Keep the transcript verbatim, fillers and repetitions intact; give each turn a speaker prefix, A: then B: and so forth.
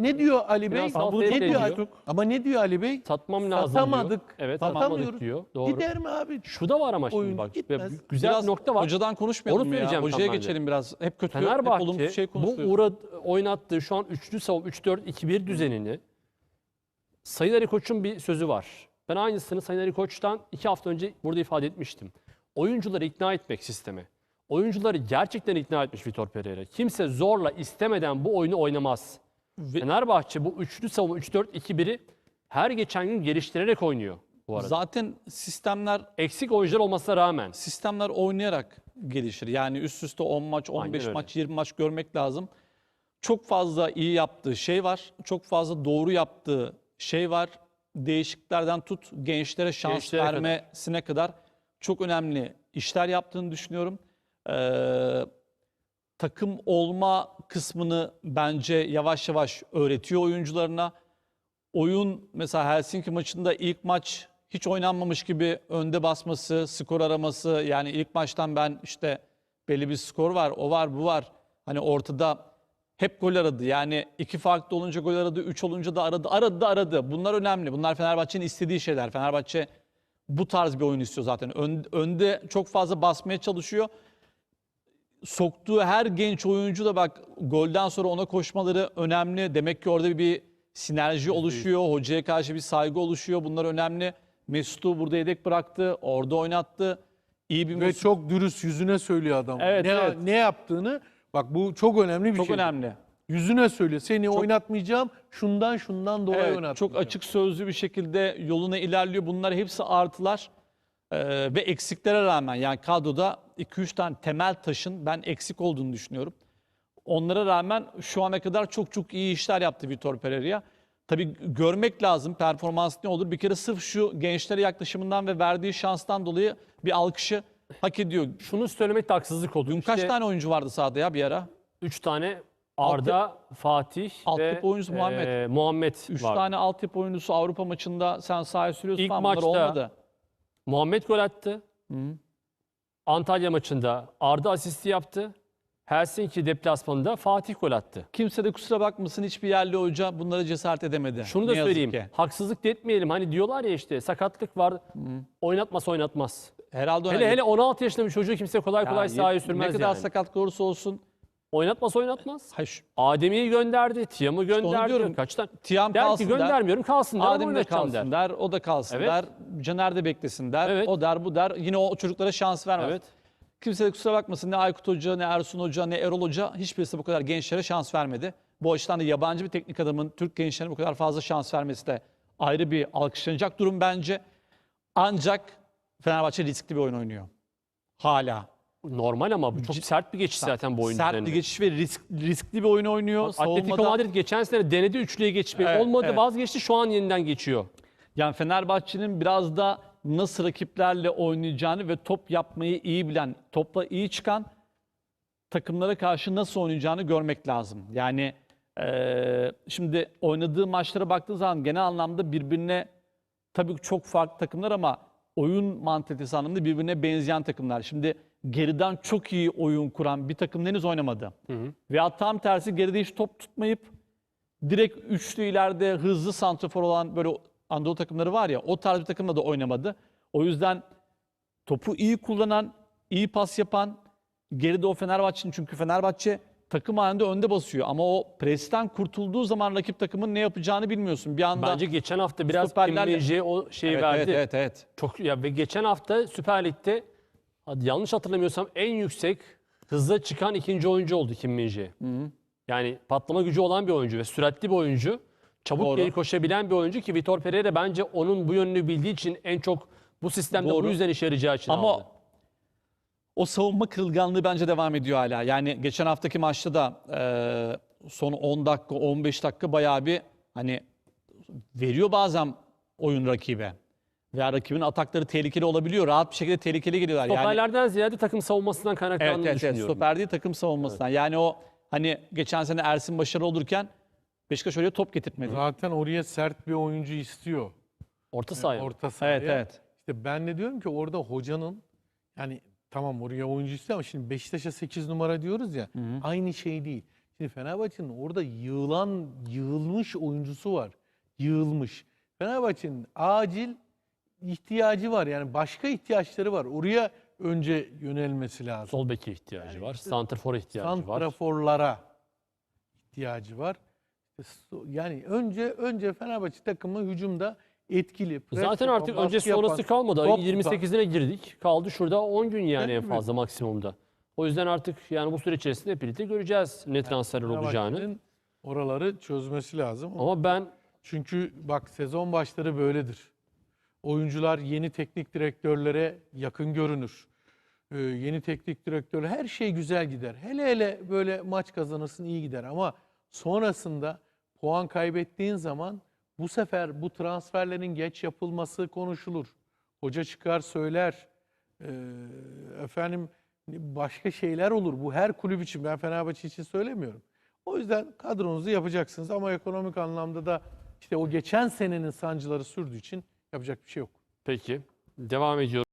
A: ne diyor Ali Bey?
B: Finansal
A: Ama
B: tehdit
A: ne diyor?
B: ediyor.
A: Ama ne diyor Ali Bey?
B: Satmam lazım
A: Satamadık.
B: diyor. Evet,
A: Satamıyoruz.
B: satamadık diyor. Doğru.
A: Gider mi abi?
B: Şu da var ama şimdi
A: Oyun
B: bak.
A: gitmez.
B: Güzel
C: Biraz
B: bir nokta var.
C: hocadan konuşmayalım
B: Onu
C: mı ya?
B: söyleyeceğim
C: Hocaya
B: tam ben de.
C: geçelim biraz. Hep kötü, hep
B: Fenerbahçe
C: olumsuz şey
B: bu
C: konuşuyoruz.
B: uğra oynattığı şu an üçlü savunma üç dört iki bir düzenini Sayın Ali Koç'un bir sözü var. Ben aynısını Sayın Ali Koç'tan iki hafta önce burada ifade etmiştim. Oyuncuları ikna etmek sisteme. Oyuncuları gerçekten ikna etmiş Vitor Pereira. Kimse zorla istemeden bu oyunu oynamaz.
C: Ve-
B: Fenerbahçe bu üçlü savunma üç dört iki biri her geçen gün geliştirerek oynuyor bu arada.
C: Zaten sistemler
B: Eksik oyuncular olmasına rağmen.
C: sistemler oynayarak gelişir. Yani üst üste on maç, on beş
B: öyle.
C: maç, yirmi maç görmek lazım. Çok fazla iyi yaptığı şey var. Çok fazla doğru yaptığı şey var. Değişikliklerden tut gençlere şans
B: Gençlere kadar.
C: vermesine kadar çok önemli işler yaptığını düşünüyorum. Ee, takım olma kısmını bence yavaş yavaş öğretiyor oyuncularına. Oyun mesela Helsinki maçında ilk maç hiç oynanmamış gibi önde basması, skor araması. Yani ilk maçtan ben işte belli bir skor var, o var, bu var. Hani ortada hep gol aradı. Yani iki farklı olunca gol aradı, üç olunca da aradı. Aradı da aradı. Bunlar önemli. Bunlar Fenerbahçe'nin istediği şeyler. Fenerbahçe bu tarz bir oyun istiyor zaten. Ön- önde çok fazla basmaya çalışıyor. Soktuğu her genç oyuncu da bak golden sonra ona koşmaları önemli. Demek ki orada bir sinerji oluşuyor. Hocaya karşı bir saygı oluşuyor. Bunlar önemli. Mesut'u burada yedek bıraktı. Orada oynattı. İyi bir
A: Ve
C: Mesut.
A: çok dürüst yüzüne söylüyor adam.
C: Evet,
A: ne,
C: evet.
A: ne yaptığını bak bu çok önemli bir
C: Çok
A: şey.
C: önemli.
A: Yüzüne söylüyor. Seni oynatmayacağım. Şundan şundan dolayı
C: Evet,
A: oynatmayacağım.
C: çok açık sözlü bir şekilde yoluna ilerliyor. Bunlar hepsi artılar. Ee, ve eksiklere rağmen yani kadroda iki üç tane temel taşın ben eksik olduğunu düşünüyorum. Onlara rağmen şu ana kadar çok çok iyi işler yaptı Vitor Pereira. Tabii görmek lazım performans ne olur. Bir kere sırf şu gençlere yaklaşımından ve verdiği şanstan dolayı bir alkışı hak ediyor.
B: Şunu söylemek de haksızlık olur.
C: Dün kaç
B: İşte
C: tane oyuncu vardı sahada ya bir ara?
B: üç tane Arda, Fatih
C: altyapı
B: ve
C: oyuncusu Muhammed.
B: e, Muhammed
C: üç
B: var.
C: tane altyapı oyuncusu Avrupa maçında sen sahaya sürüyorsun
B: İlk
C: falan bunlar
B: maçta
C: olmadı.
B: Muhammed gol attı. Antalya maçında Arda asisti yaptı. Helsinki deplasmanında Fatih gol attı.
C: Kimse de kusura bakmasın hiçbir yerli hoca bunlara cesaret edemedi.
B: Şunu da
C: Ne yazık
B: söyleyeyim.
C: ki.
B: Haksızlık da etmeyelim. Hani diyorlar ya işte sakatlık var. Oynatmaz oynatmaz.
C: Herhalde
B: Hele hele on altı yaşında bir çocuğu kimse kolay kolay sahaya sürmez
C: Ne kadar
B: yani.
C: sakat olursa olsun.
B: Oynatmaz oynatmaz.
C: Hayır, şu-
B: Adem'i gönderdi, Tiam'ı
C: onu
B: gönderdi.
C: diyorum.
B: Kaç tane?
C: Tiam
B: Der ki
C: kalsın der.
B: göndermiyorum kalsın der ama
C: Adem de
B: oynatacağım
C: kalsın
B: der.
C: der. O da kalsın
B: Evet.
C: der. Caner de beklesin der.
B: Evet.
C: O der bu der. Yine o çocuklara şans vermez.
B: Evet.
C: Kimse de kusura bakmasın ne Aykut Hoca, ne Ersun Hoca, ne Erol Hoca hiçbirisi bu kadar gençlere şans vermedi. Bu açıdan da yabancı bir teknik adamın Türk gençlerine bu kadar fazla şans vermesi de ayrı bir alkışlanacak durum bence. Ancak Fenerbahçe riskli bir oyun oynuyor. Hala.
B: Normal ama bu çok sert bir geçiş zaten bu oyun
C: Sert
B: üzerinde.
C: bir geçiş ve risk, riskli bir oyun oynuyor.
B: Atletico
C: Savunmada-
B: Madrid geçen sene denedi üçlüye geçmeyi.
C: Evet,
B: Olmadı
C: evet.
B: vazgeçti şu an yeniden geçiyor.
C: Yani Fenerbahçe'nin biraz da nasıl rakiplerle oynayacağını ve top yapmayı iyi bilen, topla iyi çıkan takımlara karşı nasıl oynayacağını görmek lazım. Yani eee, şimdi oynadığı maçlara baktığı zaman genel anlamda birbirine tabii çok farklı takımlar ama oyun mantalitesi anlamında birbirine benzeyen takımlar. Şimdi geriden çok iyi oyun kuran bir takım henüz oynamadı. Veya tam tersi geride hiç top tutmayıp direkt üçlü ileride hızlı santrafor olan böyle Anadolu takımları var ya o tarz bir takımla da oynamadı. O yüzden topu iyi kullanan, iyi pas yapan geride o Fenerbahçe'nin çünkü Fenerbahçe takım halinde önde basıyor ama o presten kurtulduğu zaman rakip takımın ne yapacağını bilmiyorsun. Bir anda
B: Bence geçen hafta biraz
C: stoperlerle-
B: Kim Min-jae'ye o şeyi
C: evet,
B: verdi.
C: evet evet evet.
B: Çok ya ve geçen hafta Süper Lig'de hadi yanlış hatırlamıyorsam en yüksek hızla çıkan ikinci oyuncu oldu Kim Min-jae. Yani patlama gücü olan bir oyuncu ve süratli bir oyuncu. Çabuk
C: Doğru.
B: geri koşabilen bir oyuncu ki Vitor Pereira bence onun bu yönünü bildiği için en çok bu sistemde
C: Doğru.
B: bu yüzden işe yarayacağı için
C: Ama
B: aldı.
C: o savunma kırılganlığı bence devam ediyor hala. Yani geçen haftaki maçta da e, son on dakika, on beş dakika bayağı bir hani veriyor bazen oyun rakibe. Veya rakibin atakları tehlikeli olabiliyor. Rahat bir şekilde tehlikeli geliyorlar. Yani,
B: Stoperlerden ziyade takım savunmasından
C: evet,
B: kaynaklandığını
C: evet, evet.
B: düşünüyorum.
C: Stoper değil takım savunmasından. Yani o hani geçen sene Ersin başarılı olurken Beşiktaş oraya top getirtmedi.
A: Zaten oraya sert bir oyuncu istiyor.
B: Orta sahaya.
A: Orta sahaya.
C: Evet evet.
A: İşte ben de diyorum ki orada hocanın yani tamam oraya oyuncu istiyor ama şimdi Beşiktaş'a sekiz numara diyoruz ya aynı şey değil. Şimdi Fenerbahçe'nin orada yığılan, yığılmış oyuncusu var. Yığılmış. Fenerbahçe'nin acil ihtiyacı var. Yani başka ihtiyaçları var. Oraya önce yönelmesi lazım.
B: Sol beke ihtiyacı var. Santrfor'a ihtiyacı var.
A: Santraforlara ihtiyacı var. Yani önce önce Fenerbahçe takımı hücumda etkili. pres
B: Zaten
A: yapan,
B: artık
A: baskı
B: önce sonrası
A: yapan,
B: kalmadı.
A: top
B: Ayın
A: tutan.
B: yirmi sekizine girdik. Kaldı şurada on gün yani en
A: Değil mi?
B: fazla maksimumda. O yüzden artık yani bu süre içerisinde hep birlikte göreceğiz ne transferler olacağını.
A: Fenerbahçe'nin oraları çözmesi lazım.
B: Ama ben
A: Çünkü bak sezon başları böyledir. Oyuncular yeni teknik direktörlere yakın görünür. Ee, yeni teknik direktör her şey güzel gider. Hele hele böyle maç kazanırsın iyi gider ama sonrasında puan kaybettiğin zaman bu sefer bu transferlerin geç yapılması konuşulur. Hoca çıkar söyler. Ee, efendim başka şeyler olur. Bu her kulüp için, ben Fenerbahçe için söylemiyorum. O yüzden kadronuzu yapacaksınız ama ekonomik anlamda da işte o geçen senenin sancıları sürdüğü için yapacak bir şey yok.
B: peki devam ediyorum.